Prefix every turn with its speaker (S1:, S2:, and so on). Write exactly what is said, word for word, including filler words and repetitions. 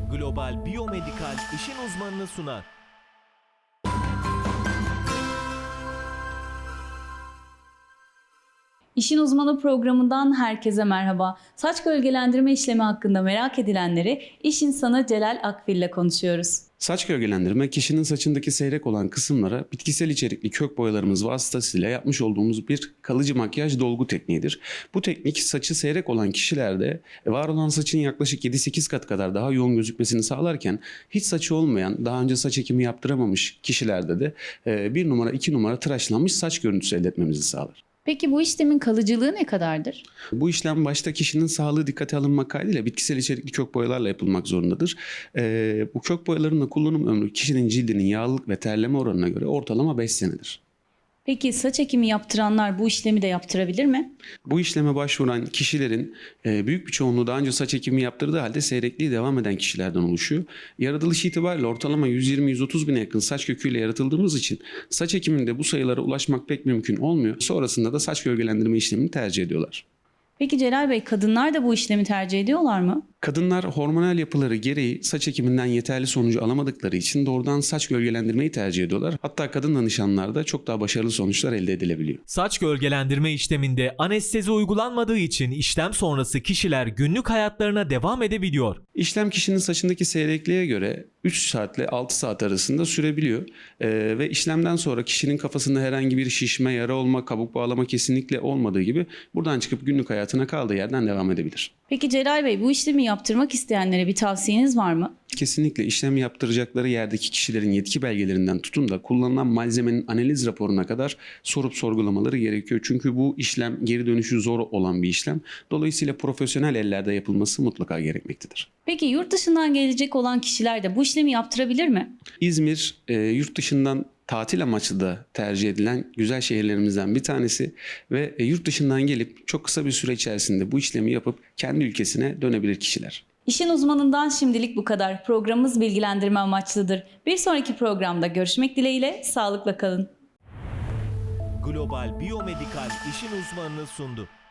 S1: Global Biyomedikal işin uzmanını sunar.
S2: İşin Uzmanı programından herkese merhaba. Saç gölgelendirme işlemi hakkında merak edilenleri iş insanı Celal Akfil ile konuşuyoruz.
S3: Saç gölgelendirme, kişinin saçındaki seyrek olan kısımlara bitkisel içerikli kök boyalarımız vasıtasıyla yapmış olduğumuz bir kalıcı makyaj dolgu tekniğidir. Bu teknik saçı seyrek olan kişilerde var olan saçın yaklaşık yedi sekiz kat kadar daha yoğun gözükmesini sağlarken hiç saçı olmayan, daha önce saç ekimi yaptıramamış kişilerde de bir numara iki numara tıraşlanmış saç görüntüsü elde etmemizi sağlar.
S2: Peki bu işlemin kalıcılığı ne kadardır?
S3: Bu işlem başta kişinin sağlığı dikkate alınmak kaydıyla bitkisel içerikli kök boyalarla yapılmak zorundadır. Ee, bu kök boyaların da kullanım ömrü kişinin cildinin yağlılık ve terleme oranına göre ortalama beş senedir.
S2: Peki saç ekimi yaptıranlar bu işlemi de yaptırabilir mi?
S3: Bu işleme başvuran kişilerin e, büyük bir çoğunluğu daha önce saç ekimi yaptırdığı halde seyrekliği devam eden kişilerden oluşuyor. Yaratılış itibariyle ortalama yüz yirmi yüz otuz bine yakın saç köküyle yaratıldığımız için saç ekiminde bu sayılara ulaşmak pek mümkün olmuyor. Sonrasında da saç gölgelendirme işlemini tercih ediyorlar.
S2: Peki Celal Bey, kadınlar da bu işlemi tercih ediyorlar mı?
S3: Kadınlar hormonal yapıları gereği saç ekiminden yeterli sonucu alamadıkları için doğrudan saç gölgelendirmeyi tercih ediyorlar. Hatta kadın danışanlarda çok daha başarılı sonuçlar elde edilebiliyor.
S1: Saç gölgelendirme işleminde anestezi uygulanmadığı için işlem sonrası kişiler günlük hayatlarına devam edebiliyor.
S3: İşlem kişinin saçındaki seyrekliğe göre üç saatle altı saat arasında sürebiliyor. Ee, ve işlemden sonra kişinin kafasında herhangi bir şişme, yara olma, kabuk bağlama kesinlikle olmadığı gibi buradan çıkıp günlük hayatına kaldığı yerden devam edebilir.
S2: Peki Celal Bey, bu işlemi yaptırmak isteyenlere bir tavsiyeniz var mı?
S3: Kesinlikle işlem yaptıracakları yerdeki kişilerin yetki belgelerinden tutun da kullanılan malzemenin analiz raporuna kadar sorup sorgulamaları gerekiyor. Çünkü bu işlem geri dönüşü zor olan bir işlem. Dolayısıyla profesyonel ellerde yapılması mutlaka gerekmektedir.
S2: Peki yurt dışından gelecek olan kişiler de bu işlemi yaptırabilir mi?
S3: İzmir e, yurt dışından tatil amaçlı da tercih edilen güzel şehirlerimizden bir tanesi ve e, yurt dışından gelip çok kısa bir süre içerisinde bu işlemi yapıp kendi ülkesine dönebilir kişiler.
S2: İşin uzmanından şimdilik bu kadar. Programımız bilgilendirme amaçlıdır. Bir sonraki programda görüşmek dileğiyle, sağlıkla kalın.
S1: Global Biyomedikal işin uzmanını sundu.